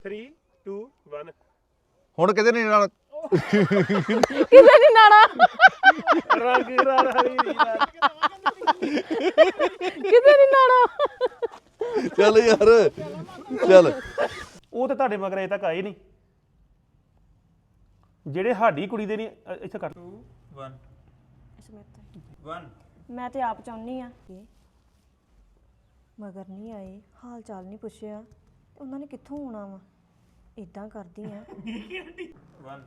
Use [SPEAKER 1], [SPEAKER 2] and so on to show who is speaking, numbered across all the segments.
[SPEAKER 1] 3 2 1
[SPEAKER 2] ਹੁਣ ਕਿਤੇ ਨਹੀਂ ਨਾਲ
[SPEAKER 3] ਕਿਤੇ ਨਹੀਂ ਨਾਣਾ
[SPEAKER 1] ਰੰਗ ਰਾਣੀ
[SPEAKER 3] ਕਿਤੇ ਨਹੀਂ ਨਾਣਾ
[SPEAKER 2] ਚੱਲ ਯਾਰ ਚੱਲ
[SPEAKER 1] ਉਹ ਤੇ ਤੁਹਾਡੇ ਮਗਰ ਅਜੇ ਤੱਕ ਆਏ ਨਹੀਂ ਜਿਹੜੇ ਸਾਡੀ ਕੁੜੀ ਦੇ ਨਹੀਂ ਇੱਥੇ ਕਰ 2 1 1
[SPEAKER 4] ਮੈਂ ਤੇ ਆਪ ਚਾਹੁੰਨੀ ਆ ਮਗਰ ਨਹੀਂ ਆਏ ਹਾਲ ਚਾਲ ਨਹੀਂ ਪੁੱਛਿਆ ਤੇ ਉਹਨਾਂ ਨੇ ਕਿੱਥੋਂ ਆਉਣਾ ਵਾ ਇਦਾਂ ਕਰਦੀ ਆ
[SPEAKER 1] 1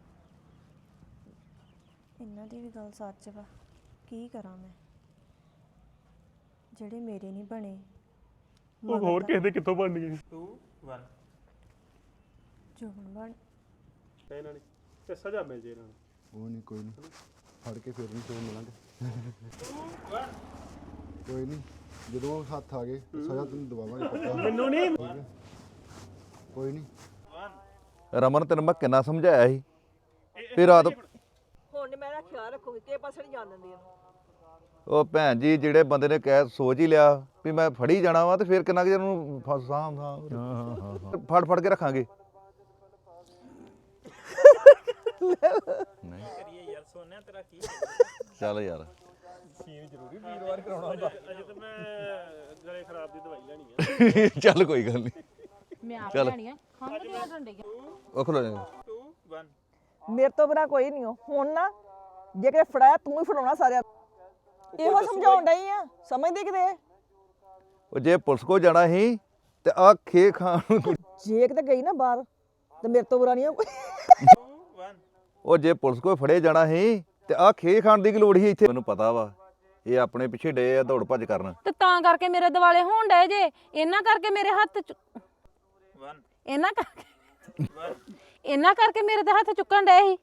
[SPEAKER 4] ਇਹਨਾਂ ਦੀ ਵੀ ਗੱਲ ਸੱਚ ਵਾ ਕੀ ਕਰਾਂ ਮੈਂ ਜਿਹੜੇ ਮੇਰੇ ਨਹੀਂ ਬਣੇ
[SPEAKER 1] ਉਹ ਹੋਰ ਕਿਸੇ ਦੇ ਕਿੱਥੋਂ ਬਣ ਗਏ 2 1
[SPEAKER 4] ਜੋਬਨ ਬਣ
[SPEAKER 1] ਇਹਨਾਂ ਨੇ ਤੇ ਸਜ਼ਾ ਮਿਲ ਜੇ ਇਹਨਾਂ ਨੂੰ
[SPEAKER 5] ਉਹ ਨਹੀਂ ਕੋਈ ਨਹੀਂ ਫੜ ਕੇ ਫਿਰ ਨਹੀਂ ਸੋ ਮਿਲਾਂਗੇ ਕੋਈ ਨਹੀਂ ਜਦੋਂ ਹੱਥ ਆ ਗਏ ਸਜ਼ਾ ਤੈਨੂੰ ਦਵਾਵਾਂਗੇ ਪੱਕਾ
[SPEAKER 1] ਮੈਨੂੰ ਨਹੀਂ
[SPEAKER 5] ਕੋਈ ਨਹੀਂ
[SPEAKER 2] ਰਮਨ ਤੈਨੂੰ ਮੈਂ ਕਿੰਨਾ ਸਮਝਾਇਆ ਸੀ ਫਿਰ ਰਾਤ
[SPEAKER 6] ਹੁਣ ਮੈਂ ਇਹਦਾ ਖਿਆਲ ਰੱਖੂਗੀ ਕਿ ਪਾਸੇ ਨਹੀਂ ਜਾਣ ਦਿੰਦੀ
[SPEAKER 2] ਉਹ ਭੈਣ ਜੀ ਜਿਹੜੇ ਬੰਦੇ ਨੇ ਕਹਿ ਸੋਚ ਹੀ ਲਿਆ ਵੀ ਮੈਂ ਫੜੀ ਜਾਣਾ ਵਾ ਤੇ ਫਿਰ ਕਿੰਨਾ ਕਿ ਨੂੰ ਫੜ ਫੜ ਕੇ ਰੱਖਾਂਗੇ ਨਹੀਂ
[SPEAKER 1] ਯਾਰ ਸੋਨਿਆ ਤੇਰਾ ਕੀ
[SPEAKER 2] ਚੱਲ ਯਾਰ
[SPEAKER 1] ਸੀਨ ਜ਼ਰੂਰੀ ਵੀਰਵਾਰ ਕਰਾਉਣਾ ਹੁੰਦਾ ਅਜੇ ਤਾਂ ਮੈਂ ਗਲੇ ਖਰਾਬ ਦੀ ਦਵਾਈ ਲੈਣੀ ਆ
[SPEAKER 2] ਚੱਲ ਕੋਈ ਗੱਲ ਨਹੀਂ
[SPEAKER 3] ਮੈਂ ਆਪ
[SPEAKER 2] ਚੱਲ।
[SPEAKER 3] ਲੈਣੀ ਆ ਖੰਗ ਤੇ ਆ ਡੰਡੇ
[SPEAKER 2] ਉਹ ਖਲੋ ਜਾ
[SPEAKER 1] 2 1
[SPEAKER 6] ਮੇਰੇ ਤੋਂ ਬਿਨਾ ਕੋਈ ਨਹੀਂ ਹੁਣ ਨਾ ਜੇ ਕਿਤੇ ਫੜਾਇਆ ਤੂੰ ਹੀ ਫੜਾਉਣਾ ਸਾਰਿਆਂ ਨੂੰ। ਇਹੋ ਸਮਝਾਉਣ ਡਈ ਆ ਸਮਝਦੇ ਕਿਤੇ
[SPEAKER 2] ਉਹ ਜੇ ਪੁਲਿਸ ਕੋ ਜਾਣਾ ਸੀ ਤੇ ਆ ਖੇ ਖਾਣ
[SPEAKER 6] ਜੇ ਕਿਤੇ ਗਈ ਨਾ ਬਾਹਰ ਤੇ ਮੇਰੇ ਤੋਂ ਬੁਰਾ ਨਹੀਂ ਆ ਕੋਈ
[SPEAKER 1] 2 1
[SPEAKER 2] ਉਹ ਜੇ ਪੁਲਿਸ ਕੋ ਫੜੇ ਜਾਣਾ ਸੀ ਤੇ ਆ ਖੇ ਖਾਣ ਦੀ ਕੀ ਲੋੜ ਸੀ ਇੱਥੇ ਮੈਨੂੰ ਪਤਾ ਵਾ ਇਹ ਆਪਣੇ ਪਿੱਛੇ ਡੇ ਆ ਦੌੜ ਭੱਜ ਕਰਨ
[SPEAKER 3] ਤੇ ਤਾਂ ਕਰਕੇ ਮੇਰੇ ਦਿਵਾਲੇ ਹੋਣ ਡਏ ਜੇ ਇਹਨਾਂ ਕਰਕੇ ਮੇਰੇ ਹੱਥ
[SPEAKER 1] 1
[SPEAKER 3] ਇਹਨਾਂ ਕਰਕੇ ਇਹਨਾਂ ਕਰਕੇ ਮੇਰੇ ਤੇ ਹੱਥ ਚੁੱਕਣ ਡਏ ਸੀ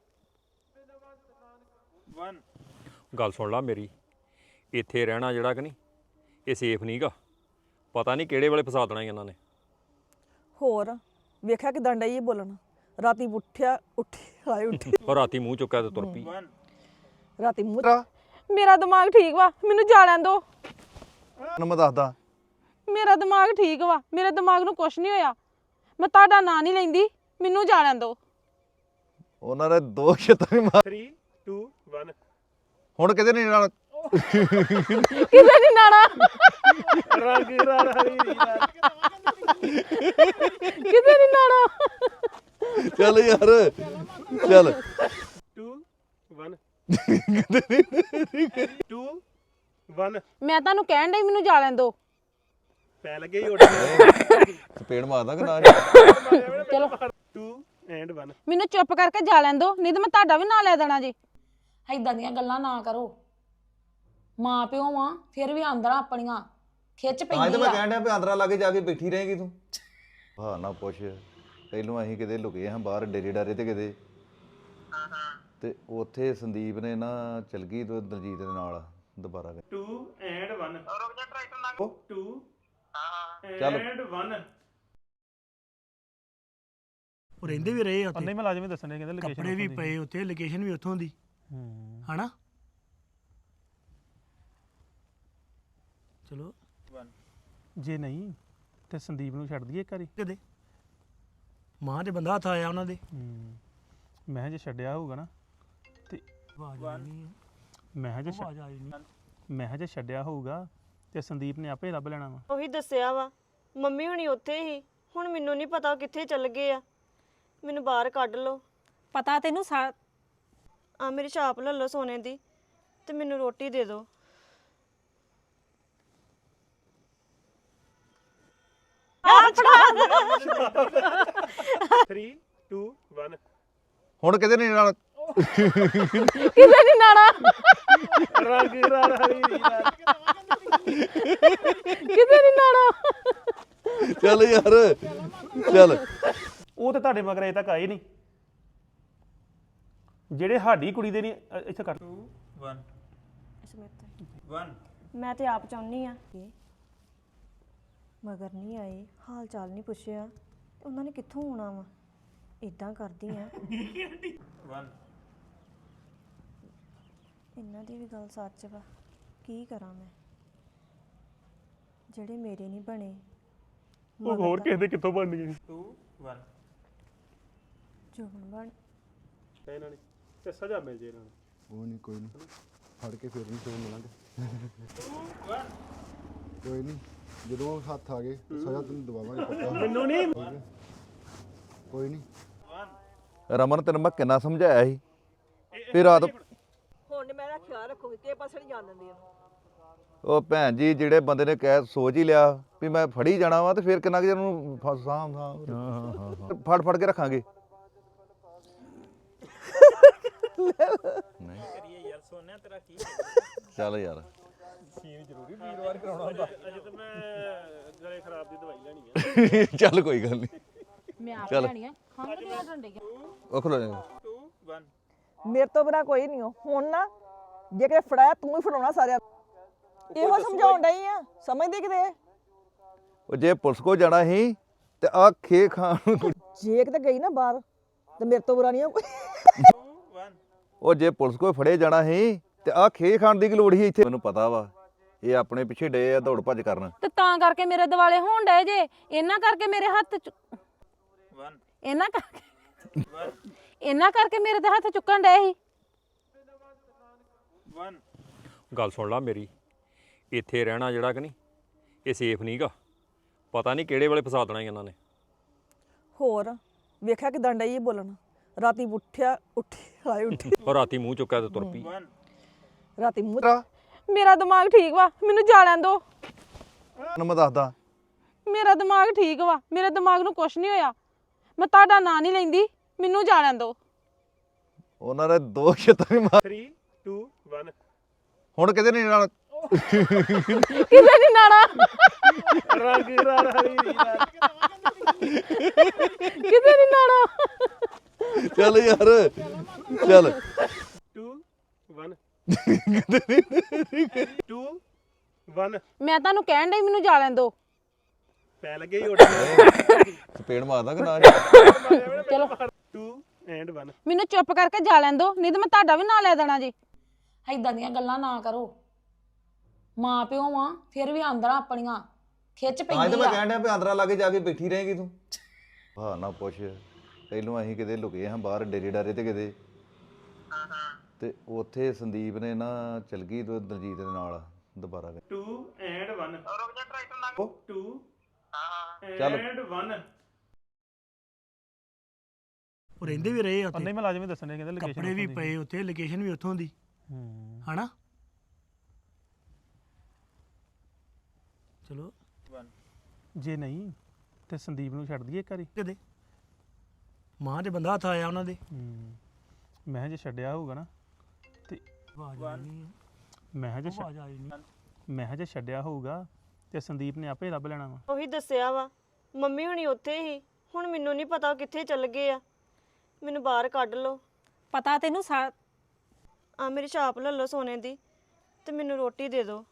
[SPEAKER 1] 1
[SPEAKER 7] ਗੱਲ ਸੁਣ ਲਾ ਮੇਰੀ ਇੱਥੇ ਰਹਿਣਾ ਜਿਹੜਾ ਕਿ ਨਹੀਂ ਇਹ ਸੇਫ ਨਹੀਂਗਾ ਪਤਾ ਨਹੀਂ ਕਿਹੜੇ ਵੇਲੇ ਫਸਾ ਦੇਣਾ ਇਹਨਾਂ ਨੇ
[SPEAKER 6] ਹੋਰ ਵੇਖਿਆ ਕਿਦਾਂ ਡਈ ਇਹ ਬੋਲਣ ਰਾਤੀ ਉੱਠਿਆ ਉੱਠੀ
[SPEAKER 7] ਉਹ ਰਾਤੀ ਮੂੰਹ ਚੁੱਕਿਆ ਤੇ ਤੁਰ ਪਈ
[SPEAKER 1] 1
[SPEAKER 6] ਰਾਤੀ ਮੂੰਹ
[SPEAKER 3] ਮੇਰਾ ਦਿਮਾਗ ਠੀਕ ਵਾ ਮੈਨੂੰ ਜਾ ਲੈਣ ਦੋ
[SPEAKER 2] ਤੈਨੂੰ ਮੈਂ ਦੱਸਦਾ
[SPEAKER 3] ਮੇਰਾ ਦਿਮਾਗ ਠੀਕ ਵਾ ਮੇਰੇ ਦਿਮਾਗ ਨੂੰ ਕੁਝ ਨਹੀਂ ਹੋਇਆ ਮੈਂ ਤੁਹਾਡਾ ਨਾਂ ਨਹੀਂ ਲੈਂਦੀ ਮੈਨੂੰ ਜਾ ਲੈਣ ਦੋ
[SPEAKER 2] ਉਹਨਾਂ ਨੇ ਦੋ ਛੱਤਾਂ ਵੀ ਮਾਰ
[SPEAKER 1] 3 2 1
[SPEAKER 2] ਹੁਣ ਕਿਤੇ ਨਹੀਂ ਨਾਲ
[SPEAKER 3] ਕਿਤੇ ਨਹੀਂ ਨਾਣਾ
[SPEAKER 1] ਰੰਗ ਰਾਣੀ
[SPEAKER 3] ਕਿਤੇ ਨਹੀਂ ਨਾਣਾ
[SPEAKER 2] ਚੱਲ ਯਾਰ ਚੱਲ
[SPEAKER 1] 2 1 2 1
[SPEAKER 3] ਮੈਂ ਤੁਹਾਨੂੰ ਕਹਿਣ ਡਈ ਮੈਨੂੰ ਜਾ ਲੈਣ ਦੋ
[SPEAKER 1] ਪੈ ਲੱਗੇ ਹੀ ਉੱਡ
[SPEAKER 2] ਸਪੀਡ ਮਾਰਦਾ ਕਿ ਨਾ
[SPEAKER 3] ਚਲੋ
[SPEAKER 1] 2 ਐਂਡ 1
[SPEAKER 3] ਮੈਨੂੰ ਚੁੱਪ ਕਰਕੇ ਜਾ ਲੈਣ ਦੋ ਨਹੀਂ ਤਾਂ ਮੈਂ ਤੁਹਾਡਾ ਵੀ ਨਾਂ ਲੈ ਦੇਣਾ ਜੀ ਐਦਾਂ ਦੀਆਂ ਗੱਲਾਂ ਨਾ ਕਰੋ ਮਾਂ ਪਿਓ ਵਾਂ ਫਿਰ ਵੀ ਆਂਦਰਾਂ ਆਪਣੀਆਂ ਖਿੱਚ
[SPEAKER 2] ਤਾਂ ਹੀ ਤਾਂ
[SPEAKER 3] ਪੈਂਦੀ
[SPEAKER 2] ਮੈਂ
[SPEAKER 3] ਆ
[SPEAKER 2] ਕਹਿਣ ਡਿਆ ਵੀ ਆਂਦਰਾ ਲਾਗੇ ਜਾ ਕੇ ਬੈਠੀ ਰਹੇਗੀ ਤੂੰ ਹਾਂ ਨਾ ਪੁੱਛ ਪਹਿਲੋਂ ਅਸੀਂ ਕਿਤੇ ਲੁਕੇ ਹਾਂ ਬਾਹਰ ਡੇਰੇ ਡਾਰੇ ਤੇ ਕਿਤੇ ਤੇ ਉੱਥੇ ਸੰਦੀਪ ਨੇ ਨਾ ਚਲ ਗਈ ਤੇ ਦਲਜੀਤ ਦੇ ਨਾਲ ਦੁਬਾਰਾ
[SPEAKER 1] 2 ਐਂਡ 1 ਰੁਕ ਜਾ ਟਰੈਕਟਰ ਲੰਘ 2
[SPEAKER 2] ਚੱਲ।
[SPEAKER 1] ਐਂਡ 1
[SPEAKER 8] ਉਹ ਰਹਿੰਦੇ ਵੀ ਰਹੇ ਆ ਉੱਥੇ
[SPEAKER 1] ਨਹੀਂ ਮੈਂ ਲਾਜ਼ਮੀ ਦੱਸਣੇ ਕਹਿੰਦੇ ਲੋਕੇਸ਼ਨ
[SPEAKER 8] ਕੱਪੜੇ ਵੀ ਪਏ ਉੱਥੇ ਲੋਕੇਸ਼ਨ ਵੀ ਉੱਥੋਂ ਦੀ ਹਨਾ ਚਲੋ
[SPEAKER 1] ਜੇ ਨਹੀਂ ਤੇ ਸੰਦੀਪ ਨੂੰ ਛੱਡ ਦਈਏ ਇੱਕ ਵਾਰੀ
[SPEAKER 8] ਕਦੇ ਮਾਂ ਦੇ ਬੰਦਾ ਹੱਥ ਆਇਆ ਉਹਨਾਂ ਦੇ
[SPEAKER 1] ਮੈਂ ਕਿਹਾ ਜੇ ਛੱਡਿਆ ਹੋਊਗਾ ਨਾ ਤੇ
[SPEAKER 8] ਆਵਾਜ਼ ਆਈ ਨਹੀਂ
[SPEAKER 1] ਮੈਂ ਕਿਹਾ ਜੇ
[SPEAKER 8] ਆਵਾਜ਼ ਆਈ ਨਹੀਂ
[SPEAKER 1] ਮੈਂ ਕਿਹਾ ਜੇ ਛੱਡਿਆ ਹੋਊਗਾ ਤੇ ਸੰਦੀਪ ਨੇ ਆਪੇ ਲੱਭ ਲੈਣਾ ਵਾ
[SPEAKER 4] ਉਹੀ ਦੱਸਿਆ ਵਾ ਮੰਮੀ ਹੁਣੀ ਉੱਥੇ ਹੀ ਹੁਣ ਮੈਨੂੰ ਨਹੀਂ ਪਤਾ ਕਿੱਥੇ ਚੱਲ ਗਏ ਆ ਮੈਨੂੰ ਬਾਹਰ ਕੱਢ ਲਓ
[SPEAKER 3] ਪਤਾ ਤੈਨੂੰ
[SPEAKER 4] ਆ ਮੇਰੀ ਛਾਪ ਲੈ ਲਓ ਸੋਨੇ ਦੀ ਤੇ ਮੈਨੂੰ ਰੋਟੀ ਦੇ ਦਿਓ
[SPEAKER 1] Three, two, one.
[SPEAKER 2] ਹੁਣ ਕਿਤੇ ਨਹੀਂ ਨਾਲ
[SPEAKER 3] ਕਿਤੇ ਨਹੀਂ ਨਾਣਾ
[SPEAKER 1] ਰੰਗ ਰਾਣੀ
[SPEAKER 3] ਕਿਤੇ ਨਹੀਂ ਨਾਣਾ
[SPEAKER 2] ਚੱਲ ਯਾਰ ਚੱਲ
[SPEAKER 1] ਉਹ ਤੇ ਤੁਹਾਡੇ ਮਗਰ ਅਜੇ ਤੱਕ ਆਏ ਨਹੀਂ ਜਿਹੜੇ ਸਾਡੀ ਕੁੜੀ ਦੇ ਨਹੀਂ ਇੱਥੇ ਕਰ 2 1 1
[SPEAKER 4] ਮੈਂ ਤੇ ਆਪ ਚਾਹੁੰਨੀ ਆ ਮਗਰ ਨਹੀਂ ਆਏ ਹਾਲ ਚਾਲ ਨਹੀਂ ਪੁੱਛਿਆ ਤੇ ਉਹਨਾਂ ਨੇ ਕਿੱਥੋਂ ਆਉਣਾ ਵਾ ਇਦਾਂ ਕਰਦੀ ਆ
[SPEAKER 1] 1
[SPEAKER 4] ਇਹਨਾਂ ਦੀ ਵੀ ਗੱਲ ਸੱਚ ਵਾ ਕੀ ਕਰਾਂ ਮੈਂ ਜਿਹੜੇ ਮੇਰੇ ਨਹੀਂ ਬਣੇ
[SPEAKER 1] ਉਹ ਹੋਰ ਕਿਸੇ ਦੇ ਕਿੱਥੋਂ ਬਣ ਗਏ
[SPEAKER 7] 2
[SPEAKER 1] ਇਹਨਾਂ ਨੇ ਤੇ ਸਜ਼ਾ ਮਿਲ ਜੇ ਇਹਨਾਂ ਨੂੰ
[SPEAKER 5] ਉਹ ਨਹੀਂ ਕੋਈ ਨਹੀਂ ਫੜ ਕੇ ਫਿਰ ਨਹੀਂ ਸੋਚ ਮਿਲਾਂਗੇ ਕੋਈ ਨਹੀਂ ਜਦੋਂ ਹੱਥ ਆ ਗਏ ਤੇ ਸਜ਼ਾ ਤੈਨੂੰ ਦਵਾਵਾਂਗੇ ਪੱਕਾ
[SPEAKER 1] ਮੈਨੂੰ ਨਹੀਂ
[SPEAKER 5] ਕੋਈ ਨਹੀਂ
[SPEAKER 2] ਰਮਨ ਤੈਨੂੰ ਮੈਂ ਕਿੰਨਾ ਸਮਝਾਇਆ ਸੀ ਵੀ ਰਾਤ
[SPEAKER 6] ਹੁਣ ਨੀ ਮੈਂ ਇਹਦਾ ਖਿਆਲ ਰੱਖੂਗੀ ਕਿਸੇ ਪਾਸੇ ਨਹੀਂ ਜਾਣ ਦਿੰਦੀ ਇਹਨੂੰ
[SPEAKER 2] ਉਹ ਭੈਣ ਜੀ ਜਿਹੜੇ ਬੰਦੇ ਨੇ ਕਹਿ ਸੋਚ ਹੀ ਲਿਆ ਵੀ ਮੈਂ ਫੜੀ ਜਾਣਾ ਵਾ ਤੇ ਫਿਰ ਕਿੰਨਾ ਕੁ ਚਿਰ ਨੂੰ ਸਾਂ ਫੜ ਫੜ ਕੇ ਰੱਖਾਂਗੇ ਨਹੀਂ ਚੱਲ ਯਾਰ
[SPEAKER 1] ਸੀਨ ਜ਼ਰੂਰੀ ਵੀਰਵਾਰ ਕਰਾਉਣਾ ਹੁੰਦਾ ਅਜੇ ਤਾਂ ਮੈਂ ਗਲੇ ਖਰਾਬ ਦੀ ਦਵਾਈ ਲੈਣੀ ਆ
[SPEAKER 2] ਚੱਲ ਕੋਈ ਗੱਲ ਨਹੀਂ
[SPEAKER 3] ਮੈਂ ਆਪ ਲੈਣੀ ਆ ਖੰਘ ਤੇ ਆ ਡੰਡੇ
[SPEAKER 2] ਉਹ ਖਲੋ ਜਾ
[SPEAKER 1] 2 1
[SPEAKER 6] ਮੇਰੇ ਤੋਂ ਬਿਨਾ ਕੋਈ ਨਹੀਂ ਹੁਣ ਨਾ ਜੇ ਕਿ ਫੜਾਇਆ ਤੂੰ ਹੀ ਫੜਾਉਣਾ ਸਾਰਿਆਂ ਨੂੰ। ਇਹੋ ਸਮਝਾਉਣ ਡਈ ਆ ਸਮਝਦੇ ਕਿਤੇ
[SPEAKER 2] ਉਹ ਜੇ ਪੁਲਿਸ ਕੋ ਜਾਣਾ ਸੀ ਤੇ ਆ ਖੇ ਖਾਣ
[SPEAKER 6] ਜੇ ਕਿਤੇ ਗਈ ਨਾ ਬਾਹਰ ਤੇ ਮੇਰੇ ਤੋਂ ਬੁਰਾ ਨਹੀਂ ਆ ਕੋਈ
[SPEAKER 1] 2 1
[SPEAKER 2] ਉਹ ਜੇ ਪੁਲਿਸ ਕੋ ਫੜੇ ਜਾਣਾ ਸੀ ਤੇ ਆ ਖੇ ਖਾਣ ਦੀ ਕੀ ਲੋੜ ਸੀ ਇੱਥੇ ਮੈਨੂੰ ਪਤਾ ਵਾ ਇਹ ਆਪਣੇ ਪਿੱਛੇ ਡੇ ਆ ਦੌੜ ਭੱਜ ਕਰਨ
[SPEAKER 3] ਤੇ ਤਾਂ ਕਰਕੇ ਮੇਰੇ ਦਿਵਾਲੇ ਹੋਣ ਡਏ ਜੇ ਇਹਨਾਂ ਕਰਕੇ ਮੇਰੇ ਹੱਥ
[SPEAKER 1] 1
[SPEAKER 3] ਇਹਨਾਂ ਕਰਕੇ ਮੇਰੇ ਤੇ ਹੱਥ ਚੁੱਕਣ ਡਏ ਸੀ
[SPEAKER 1] 1
[SPEAKER 7] ਗੱਲ ਸੁਣ ਲਾ ਮੇਰੀ ਇੱਥੇ ਰਹਿਣਾ ਜਿਹੜਾ ਕਿ ਨਹੀਂ ਇਹ ਸੇਫ ਨਹੀਂਗਾ ਪਤਾ ਨਹੀਂ ਕਿਹੜੇ ਵੇਲੇ ਫਸਾ ਦੇਣਾ ਇਹਨਾਂ ਨੇ
[SPEAKER 6] ਹੋਰ ਵੇਖਿਆ ਕਿਦਾਂ ਡਈ ਇਹ ਬੋਲਣ ਰਾਤੀ ਉੱਠੀ
[SPEAKER 7] ਉਹ ਰਾਤੀ ਮੂੰਹ ਚੁੱਕਿਆ ਤੇ ਤੁਰ ਪਈ
[SPEAKER 6] ਰਾਤੀ ਮੂੰਹ
[SPEAKER 3] ਮੇਰਾ ਦਿਮਾਗ ਠੀਕ ਵਾ ਮੈਨੂੰ ਜਾ ਲੈਣ ਦੋ
[SPEAKER 2] ਤੈਨੂੰ ਮੈਂ ਦੱਸਦਾ
[SPEAKER 3] ਮੇਰਾ ਦਿਮਾਗ ਠੀਕ ਵਾ ਮੇਰੇ ਦਿਮਾਗ ਨੂੰ ਕੁਛ ਨਹੀਂ ਹੋਇਆ ਮੈਂ ਤੁਹਾਡਾ ਨਾਂ ਨਹੀਂ ਲੈਂਦੀ ਮੈਨੂੰ ਜਾ ਲੈਣ ਦੋ
[SPEAKER 2] ਉਹਨਾਂ ਨੇ ਦੋ ਛੱਤਾਂ ਵੀ ਮਾਰ
[SPEAKER 1] 3 2 1
[SPEAKER 2] ਹੁਣ ਕਿਤੇ ਨਹੀਂ ਨਾਲ
[SPEAKER 3] ਕਿਸੇ ਨਹੀਂ ਨਾਣਾ
[SPEAKER 1] ਰੰਗ ਰਾਣਾ
[SPEAKER 3] ਕਿਸੇ ਨਹੀਂ ਨਾਣਾ
[SPEAKER 2] ਚੱਲ ਯਾਰ ਚੱਲ
[SPEAKER 1] 2 1 2 1
[SPEAKER 3] ਮੈਂ ਤੁਹਾਨੂੰ ਕਹਿਣ ਡਈ ਮੈਨੂੰ ਜਾ ਲੈਣ ਦੋ
[SPEAKER 1] ਪੈ ਲੱਗੇ ਹੀ ਉੱਡ
[SPEAKER 2] ਚਪੇੜ ਮਾਰਦਾ ਕਿ ਨਾ
[SPEAKER 3] ਚਲੋ
[SPEAKER 1] 2 ਐਂਡ 1
[SPEAKER 3] ਮੈਨੂੰ ਚੁੱਪ ਕਰਕੇ ਜਾ ਲੈਣ ਦੋ ਨਹੀਂ ਤਾਂ ਮੈਂ ਤੁਹਾਡਾ ਵੀ ਨਾਂ ਲੈ ਦੇਣਾ ਜੀ ਐਦਾਂ ਦੀਆਂ ਗੱਲਾਂ ਨਾ ਕਰੋ ਮਾਂ ਪਿਓ ਵਾਂ ਫਿਰ ਵੀ ਆਂਦਰਾਂ ਆਪਣੀਆਂ ਖਿੱਚ
[SPEAKER 2] ਤਾਂ ਹੀ ਤਾਂ
[SPEAKER 3] ਪੈਂਦੀ
[SPEAKER 2] ਮੈਂ
[SPEAKER 3] ਆ
[SPEAKER 2] ਕਹਿਣ ਡਿਆ ਵੀ ਆਂਦਰਾ ਲਾਗੇ ਜਾ ਕੇ ਬੈਠੀ ਰਹੇਗੀ ਤੂੰ ਹਾਂ ਨਾ ਪੁੱਛ ਪਹਿਲੋਂ ਅਸੀਂ ਕਿਤੇ ਲੁਕੇ ਹਾਂ ਬਾਹਰ ਡੇਰੇ ਡਾਰੇ ਤੇ ਕਿਤੇ ਤੇ ਉੱਥੇ ਸੰਦੀਪ ਨੇ ਨਾ ਚਲ ਗਈ ਤੇ ਦਲਜੀਤ ਦੇ ਨਾਲ ਦੁਬਾਰਾ
[SPEAKER 1] 2 ਐਂਡ 1 ਰੁਕ ਜਾ ਟਰੈਕਟਰ ਲੰਘ 2
[SPEAKER 2] ਚੱਲ।
[SPEAKER 1] ਐਂਡ 1
[SPEAKER 8] ਉਹ ਰਹਿੰਦੇ ਵੀ ਰਹੇ ਆ ਉੱਥੇ
[SPEAKER 1] ਨਹੀਂ ਮੁਲਾਜ਼ਮ ਹੀ ਦੱਸਣੇ ਕਹਿੰਦੇ ਲੋਕੇਸ਼ਨ
[SPEAKER 8] ਕੱਪੜੇ ਵੀ ਪਏ ਉੱਥੇ ਲੋਕੇਸ਼ਨ ਵੀ ਉੱਥੋਂ ਦੀ ਹਨਾ ਚਲੋ
[SPEAKER 1] ਜੇ ਨਹੀਂ ਤੇ ਸੰਦੀਪ ਨੂੰ ਛੱਡ ਦਈਏ ਘਰੇ
[SPEAKER 8] ਕਦੇ ਮਾਂ ਦੇ ਬੰਦਾ ਹੱਥ ਆਇਆ ਉਹਨਾਂ ਦੇ
[SPEAKER 1] ਮੈਂ ਜੇ ਛੱਡਿਆ ਹੋਊਗਾ ਨਾ ਤੇ
[SPEAKER 8] ਆਵਾਜ਼ ਆਈ ਨਹੀਂ
[SPEAKER 1] ਮੈਂ ਜੇ
[SPEAKER 8] ਆਵਾਜ਼ ਆਈ ਨਹੀਂ
[SPEAKER 1] ਮੈਂ ਜੇ ਛੱਡਿਆ ਹੋਊਗਾ ਤੇ ਸੰਦੀਪ ਨੇ ਆਪੇ ਲੱਭ ਲੈਣਾ ਵਾ
[SPEAKER 4] ਉਹੀ ਦੱਸਿਆ ਵਾ ਮੰਮੀ ਹੁਣੀ ਉੱਥੇ ਹੀ ਹੁਣ ਮੈਨੂੰ ਨਹੀਂ ਪਤਾ ਉਹ ਕਿੱਥੇ ਚੱਲ ਗਏ ਆ ਮੈਨੂੰ ਬਾਹਰ ਕੱਢ ਲਓ
[SPEAKER 3] ਪਤਾ ਤੈਨੂੰ
[SPEAKER 4] ਆ ਮੇਰੀ ਛਾਪ ਲੈ ਲਓ ਸੋਨੇ ਦੀ ਤੇ ਮੈਨੂੰ ਰੋਟੀ ਦੇ ਦਿਓ